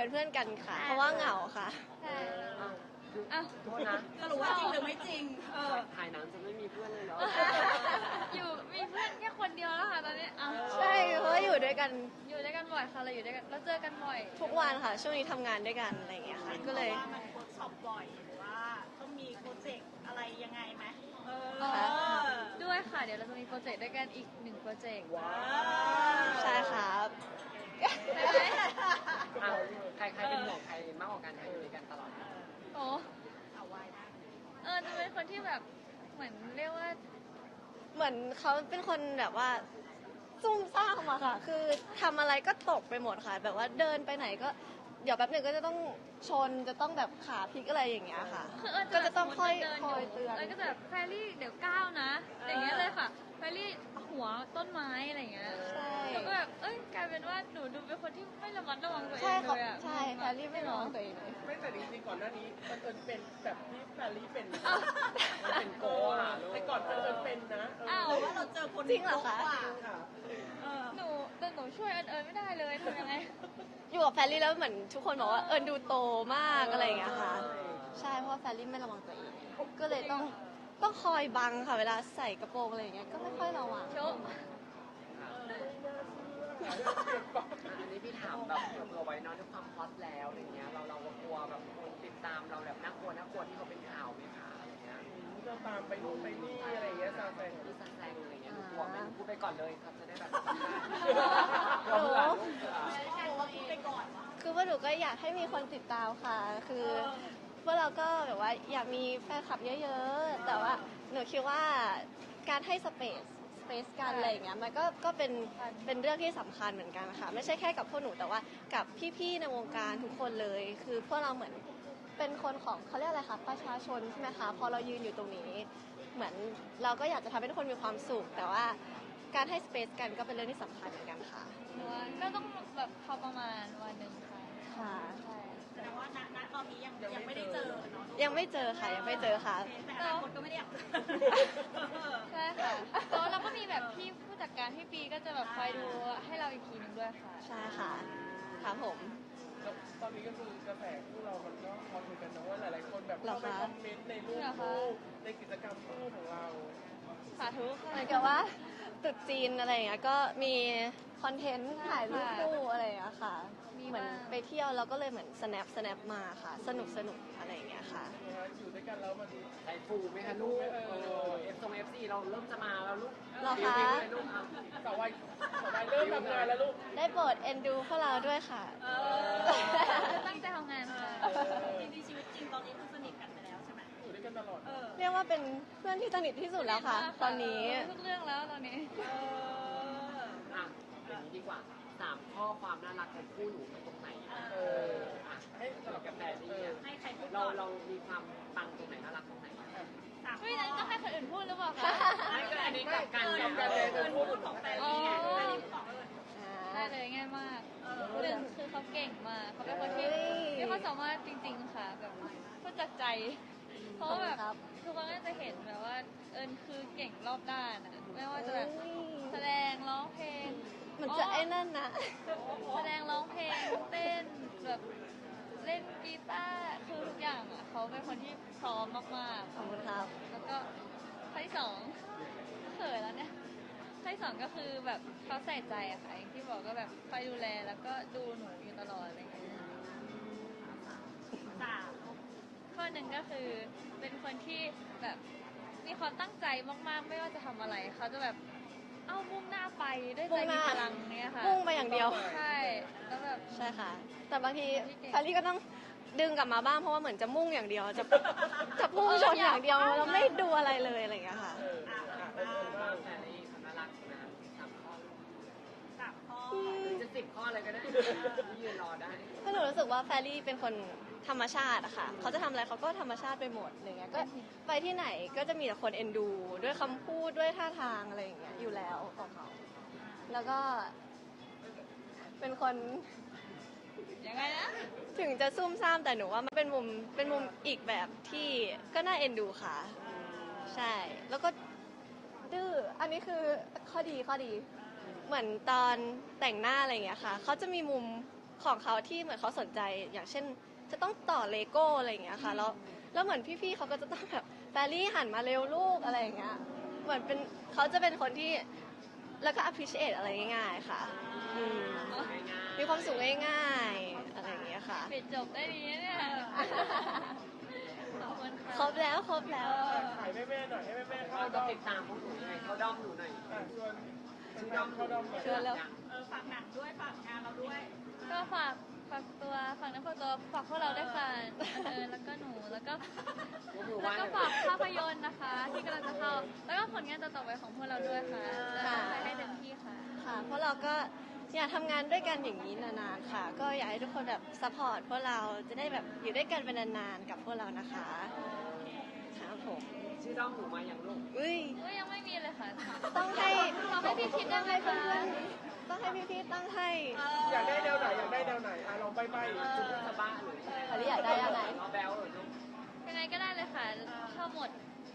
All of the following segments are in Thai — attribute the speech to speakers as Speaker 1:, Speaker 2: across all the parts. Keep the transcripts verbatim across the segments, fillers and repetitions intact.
Speaker 1: เพื่อนกันค่ะเพราะว่าเหงาค่ะ
Speaker 2: ใช่
Speaker 3: อ่ะโทษนะ
Speaker 4: สรุปว่าจริงหรือไม่จริงเออ
Speaker 3: ถ่ายหนังจะไม่มีเพื่อนเลยเหรอ
Speaker 2: อยู่มีเพื่อนแค่คนเดียวแล้วค่ะตอนนี้อ่ะ
Speaker 1: ใช่เพราะว่าอยู่ด้วยกัน
Speaker 2: อยู่ด้วยกันบ่อยค่ะเราอยู่ด้วยกันเราเจอกันบ่อย
Speaker 1: ทุกวันค่ะช่วงนี้ทำงานด้วยกันอะไรอย่างเงี้ยค่ะก็เลย
Speaker 4: ว่ามันเวิร์กช็อปบ่อยหรือว่าต้องมีโปรเจกต์อะไรยังไงไหมเออ
Speaker 1: ค่ะ
Speaker 2: ด้วยค่ะเดี๋ยวเราจะมีโปรเจกต์ด้วยกันอีกหนึ่งโปรเจกต์
Speaker 3: ว้าว
Speaker 1: ใช่ครับ
Speaker 3: อ่ะใครใครเป็นห่วงใครมากกว่ากันใครอยู่ด้วยกันตลอด
Speaker 2: โอ้
Speaker 4: เอาไว้นะ
Speaker 2: เออจะเป็นคนที่แบบเหมือนเรียกว่า
Speaker 1: เหมือนเขาเป็นคนแบบว่าซุ่มซ่ามอะค่ะ คือทำอะไรก็ตกไปหมดค่ะ แบบว่าเดินไปไหนก็เดี๋ยวแป๊บหนึ่งก็จะต้องชนจะต้องแบบขาพลิกอะไรอย่างเงี้ยค่ะ
Speaker 2: คือเอิญ
Speaker 1: ก็จะต้องค่อย
Speaker 2: เดิน
Speaker 1: คอยเตือน
Speaker 2: เอิญก็จะแบบแฟรี่เดี๋ยวก้าวนะอย่างเงี้ยเลยค่ะแฟรี่หัวต้นไม้อะไรอย่างเงี้ย
Speaker 1: ใช่
Speaker 2: แล้วก็แบบเอ้ยกลายเป็นว่าหนูดูเป็นคนที่ไม่ระมัดระวังตัวเอ
Speaker 1: ใช่
Speaker 2: ง
Speaker 1: ค่ะ
Speaker 2: เลยอะ
Speaker 1: ใช่แพรรี่ไม่ร้องตัวเองเลย
Speaker 5: ไม่แต่จริงๆก่อนหน้านี้มันเอิญเป็นแบบที่แฟรรี่เป็น
Speaker 3: มันเป็นโกอ่ะลูก
Speaker 5: แต่ก่อนเอิญเป็นนะเออ
Speaker 2: อ้าว
Speaker 4: หรือว่าเราเจอคน
Speaker 1: จริงเหรอคะ
Speaker 4: กว่า
Speaker 5: ค่ะ
Speaker 4: เออ
Speaker 2: หนูแต่หนูช่วยเอิญเอิญไม่ได้เลยทำยังไง
Speaker 1: อยู่กับแฟรรี่แล้วเหมือนทุกคนบอกว่าเอิญดูโตมากอะไรอย่างเงี้ยค่ะ ใช่เพราะว่าแฟรรี่ไม่ระวังตัวเอง ก็เลยต้องต้องคอยบังค่ะเวลาใส่กระโปรงอะไรอย่างเงี้ยก็ไม่ค่อยระวัง
Speaker 2: โชว์
Speaker 3: อันนี้พี่ถามแบบเผื่อไว้เนอะด้วยความฮอตแล้วอะไรเงี้ยเราเรากลัวแบบคนติดตามเราแบบน่ากลัวน่ากลัวที่เขาเป็นข่าวไหมคะอะไรเงี้ย
Speaker 5: ก็ตามไปนู่นไปนี่อะไรอย่างเงี้ยซาแซง
Speaker 3: ที่ซันแซงอะไรเงี้ยกลัวไหมพูดไปก่อนเลยครับจะได้แบบ
Speaker 1: หนู
Speaker 4: ไปก่อนวะ
Speaker 1: คือว่าหนูก็อยากให้มีคนติดตามค่ะ คือพวกเราก็แบบว่าอยากมีแฟนคลับเยอะๆ แต่ว่าหนูคิดว่าการให้สเปซสเปซกันอะไรอย่างเงี้ยมันก็ก็เป็นเป็นเรื่องที่สำคัญเหมือนกันค่ะ ไม่ใช่แค่กับพวกหนูแต่ว่ากับพี่ๆในวงการทุกคนเลย คือพวกเราเหมือนเป็นคนของเขาเรียกอะไรคะประชาชนใช่ไหมคะพอเรายืนอยู่ตรงนี้ เหมือนเราก็อยากจะทำให้ทุกคนมีความสุข แต่ว่าการให้สเปซกันก็เป็นเรื่องที่สำคัญเหมือนกันค่ะ
Speaker 2: หนูว่าก็ต้องแบบพอประมาณวันหนึ่งค่ะ
Speaker 1: ค่ะ
Speaker 2: ใช่
Speaker 4: แสดงว่าณณตอนนี้ยังยังไม่ได้เจอเนาะ
Speaker 1: ยังไม่เจอค่ะยังไม่เจอค่ะ
Speaker 4: แต่อนาคตก็ไม่ได้อยากเจอ
Speaker 2: ใช่ค่ะแล้วเราก็มีแบบพี่ผู้จัดการพี่ปีก็จะแบบคอยดูให้เราอีกทีหนึงด้วยค่ะ
Speaker 1: ใช่ค่ะครับผม
Speaker 5: แล้วตอนนี้ก็คือกระแสคู่เรามันก็พอคุยกันนะว่าหลายๆคนแบบ
Speaker 1: เหรอ
Speaker 5: เข้าไป
Speaker 1: คะ
Speaker 5: คอมเมนต์ในรูปคู่ในกิจกรรมคู่ของเรา
Speaker 2: สาธุค่ะ
Speaker 1: เหมือนกับว่าตรุษจีนอะไรอย่างเงี้ยก็มีคอนเทนต์ถ่ายรูปคู่อะไรอย่างเงี้ยค่ะ
Speaker 2: มี
Speaker 1: เหมือน
Speaker 2: บ้าง
Speaker 1: ไปเที่ยวแล้วก็เลยเหมือน snap snap มาค่ะ สนุกสนุกอะไรอย่างเงี้ยค่ะ
Speaker 5: อยู่ด้วยกันแล้วมัน
Speaker 3: ใจฟูไหมคะลูกเออเอฟซงเอฟซีเราเริ่มจะมาแล้วลูก
Speaker 1: เหรอคะ
Speaker 3: รีวิวเลยลูกอ่ะ
Speaker 5: สาววัยสาววัยเริ่มทำงานแล้วลูก
Speaker 1: ได้โปรดเอ็นดูพวกเราด้วยค่ะ
Speaker 4: เออ
Speaker 2: ตั้งใจทำงานค่ะ
Speaker 4: จริงๆชีวิตจริงตอนนี้คือสนิทกันไปแล้วใช่ไหม
Speaker 5: อยู่ด้วยกันตลอด
Speaker 4: เออ
Speaker 1: เรียกว่าเป็นเพื่อนที่สนิทที่สุดแล้วค่ะ ตอนนี้
Speaker 2: ทุกเรื่องแล้วตอนนี้
Speaker 4: เออ
Speaker 3: อ่ะอย่างนี้ดีกว่าสามข้อความน่ารักของคู่หนูมันตรงไหนอ่ะ
Speaker 5: เอ
Speaker 3: เอ
Speaker 5: อ
Speaker 3: ออ่ะให้สำหรับกาแฟนี่อ่ะ
Speaker 4: ให้ใครพูด
Speaker 3: เรา
Speaker 4: ก่อน
Speaker 3: เรามีความปังตรงไหนน่ารักตรงไหนอ่ะ
Speaker 4: สาม
Speaker 2: เฮ้ยนั้นก็ให้คนอื่นพูดหรือเปล่าคะ
Speaker 3: ไม่ก็อันนี้กับการ
Speaker 4: เออ
Speaker 3: กับ
Speaker 4: เอ
Speaker 3: การ
Speaker 4: อ
Speaker 3: เดิ
Speaker 4: เอน อพูดของแฟนนี่ไงแฟนนี่พูดของเออ
Speaker 2: ได้เลยง่ายมาก
Speaker 4: เออ
Speaker 2: หนึ่งคือเขาเก่งมากเขาเป็นคนที่
Speaker 1: เฮ้ย
Speaker 2: มีความสามารถจริง ๆ ค่ะแบบพูดจากใจ เพราะว่าแบบ
Speaker 1: ครับ
Speaker 2: ทุกคนก็จะเห็นแบบว่าเอิญคือเก่งรอบด้านอะไม่ว่าจะแบบ
Speaker 1: เฮ้ย
Speaker 2: แสดงร้องเพลง
Speaker 1: มันจะไอ้นั่นนะ
Speaker 2: แสดงร้องเพลงเต้นแบบเล่นกีตาร์คือทุกอย่างอ่ะเขาเป็นคนที่พร้อมมากๆ
Speaker 1: ขอบคุณครับ
Speaker 2: แล้วก็ข้อที่สองเขินแล้วเนี่ยข้อที่สองก็คือแบบเขาใส่ใจอะค่ะอย่างที่บอกก็แบบคอยดูแลแล้วก็ดูหนูอยู่ตลอดอะไรอย่างเงี้ย
Speaker 4: สาม
Speaker 2: ข้อหนึ่งก็คือเป็นคนที่แบบมีความตั้งใจมากๆ ไม่ว่าจะทำอะไรเขาจะแบบเอามุ่งหน้าไปด้วยใจมีพลังเนี่ยค่ะ
Speaker 1: มุ่งไปอย่างเดียว
Speaker 2: ใช่แล้วแบบ
Speaker 1: ใช่ค่ะ แต่บางที
Speaker 2: พี่เก่ง
Speaker 1: แพรรี่ก็ต้องดึงกลับมาบ้างเพราะว่าเหมือนจะมุ่งอย่างเดียว จะจะพุ่งชนอย่างเดียวแล้วไม่ดูอะไรเลยอะไรอย่างเงี้ยค่ะ
Speaker 5: เออ
Speaker 4: อ่ะ
Speaker 5: อ่ะ
Speaker 4: อ่ะ
Speaker 5: เออเออบ้าง
Speaker 3: แต่นี่ความน่ารักนะสามข้อ
Speaker 4: สามข้อ
Speaker 3: หรือจะสิบข้อเลยก็ได้ที่ยืนรอได้
Speaker 1: ก็หนูรู้สึกว่าแฟรรี่เป็นคนธรรมชาติอะค่ะ เขาจะทำอะไรเขาก็ธรรมชาติไปหมดอะไรเงี้ย ก็ไปที่ไหนก็จะมีแต่คนเอ็นดู ด้วยคำพูดด้วยท่าทางอะไรอย่างเงี้ยอยู่แล้วของเขา แล้วก็ เป็นคน
Speaker 2: ยังไงนะ
Speaker 1: ถึงจะซุ่มซ่ามแต่หนูว่ามันเป็นมุมเป็นมุมอีกแบบที่ก็น่าเอ็นดูค่ะ ใช่ แล้วก็ดื้อ อันนี้คือข้อดีข้อดี เหมือนตอนแต่งหน้าอะไรอย่างเงี้ยค่ะ เขาจะมีมุมของเขาที่เหมือนเขาสนใจอย่างเช่น จะต้องต่อเลโก้อะไรอย่างเงี้ยค่ะแล้วแล้วเหมือนพี่ๆเขาก็จะต้องแบบแฟรี่หันมาเร็วลูกอะไรอย่างเงี้ยเหมือนเป็นเขาจะเป็นคนที่แล้วก็ appreciate อะไรง่ายๆค่ะอืมมีความสุขง่ายๆอะไรอย่างเงี้ยค่ะ
Speaker 2: ปิดจบได้ดีนะเนี่ยขอบคุณค่ะ
Speaker 1: ครบแล้วครบแล้ว
Speaker 5: ขายแม่ๆหน่อยให้แม่ๆเข้า
Speaker 3: เรา
Speaker 5: ด้
Speaker 3: จะ
Speaker 5: อม
Speaker 3: ติดตามพวกหนูยังไงเข้าด้อมหนูหน่อย
Speaker 5: อ่ะชวน
Speaker 3: ชื่อ
Speaker 5: แฟ
Speaker 3: ด้อน ม
Speaker 5: ๆเข้าด้อมหน่อย
Speaker 1: ชวนแล้ว
Speaker 4: เออฝากหนังด้วยฝากงานเราด้วย
Speaker 2: ก็ฝากฝากตัวฝากน้ำฝากตัวฝากพวกเราด้วยค่ะเออแล้วก็หนูแล้วก็
Speaker 3: ยกมือไห
Speaker 2: แล้ว
Speaker 3: ว้
Speaker 2: ก็ฝากภาพยนตร์นะคะ ที่กำลังจะเข้า แล้วก็ผลงานต่อๆไปของพวกเราด้วยค่ะจะตั้งใจให้เต็มที่ค่ะ
Speaker 1: ค่ะเพราะเราก็อยากทำงานด้วยกันอย่างนี้นานๆค่ะ ก็อยากให้ทุกคนแบบซัพพอร์ตพวกเราจะได้แบบอยู่ด้วยกันเป็นนานๆกับพวกเรานะคะครับผม
Speaker 3: ชื่อด้อมหนูมาอย่างลูก
Speaker 1: อุ้ย
Speaker 2: ก็ยังไม่มีเลยค่ะ
Speaker 1: ต้องให้
Speaker 2: เราให้พี่คิดได้ไหม
Speaker 1: เพื่
Speaker 2: คะ
Speaker 1: อนๆต้องให้พี่ๆตั้งให้
Speaker 5: อยากได้แนวไหนอยากได้แนวไหนอ่ะลองไปไป
Speaker 3: ชื่อสบ้าหรือ
Speaker 1: อันนี้อยากได้ยังไง
Speaker 3: เราแบลหรือลูก
Speaker 2: ยังไงก็ได้เลยค่ะ ชอบหมด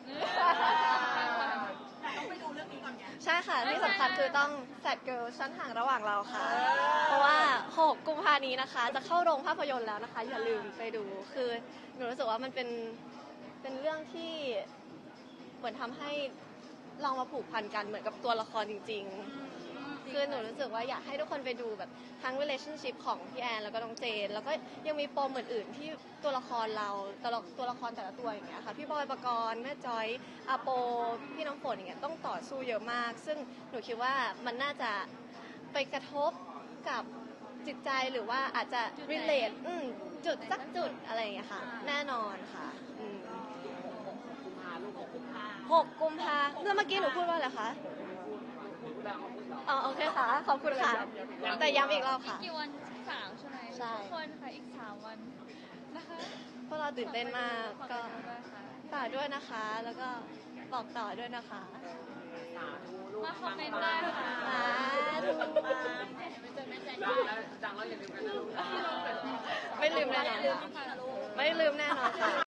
Speaker 4: แต่ต้องไปดูเรื่องนี้ก่อนไง
Speaker 1: ใช่ค่ะที่สำคัญคือต้องแฟดเกิลชั้นห่างระหว่างเราค่ะ เพราะว่าหกกุมภานี้นะคะ จะเข้าโรงภาพยนตร์แล้วนะคะ อย่าลืมไปดูคือหนูรู้สึกว่ามันเป็นเป็นเรื่องที่เหมือนทำให้ลองมาผูกพันกันเหมือนกับตัวละครจริง ๆ คือหนูรู้สึกว่าอยากให้ทุกคนไปดูแบบทั้ง relationship ของพี่แอนแล้วก็น้องเจน แล้วก็ยังมีปมอื่นๆที่ตัวละครเราตัวละตัวละครแต่ละตัวอย่างเงี้ยค่ะพี่บอยปกรณ์แม่จอยอาโปพี่น้ำฝนอย่างเงี้ยต้องต่อสู้เยอะมาก ซึ่งหนูคิดว่ามันน่าจะไปกระทบกับจิตใจหรือว่าอาจจะ relate อืมจุดสักจุดอะไรอย่างเงี้ยค่ะ แน่นอนค่ะอืม
Speaker 3: กุมภาลูกหกกุมภา
Speaker 1: หกกุมภาแล้วเมื่อกี้หนูพูดว่าอะไรคะ
Speaker 3: พูดแล้วเขาพูดแล้ว
Speaker 1: อ๋อโอเคค่ะ ขอบคุณค่ะ แต่ย้ำอีกรอบค่ะ
Speaker 2: กี่วันสามใช่ไหม
Speaker 1: ใช่
Speaker 2: ทุกคนค่ะ อีกสามวันนะคะ
Speaker 1: พวกเราตื่นเต้นมาก
Speaker 2: ฝ
Speaker 1: ก็
Speaker 2: ไปดูด้วยค่ะ
Speaker 1: ฝากด้วยนะคะ แล้วก็บอกต่อด้วยนะคะ
Speaker 3: สาธุลูก
Speaker 2: มาคอมเมนต์ได้ค่ะ
Speaker 1: สาธุ
Speaker 3: ดังแล้วดังแล้วอย่าลืมกันนะลูก
Speaker 1: ไม่ลืมแน่นอนค่ะ ไม่ลืมแน่นอนค่ะ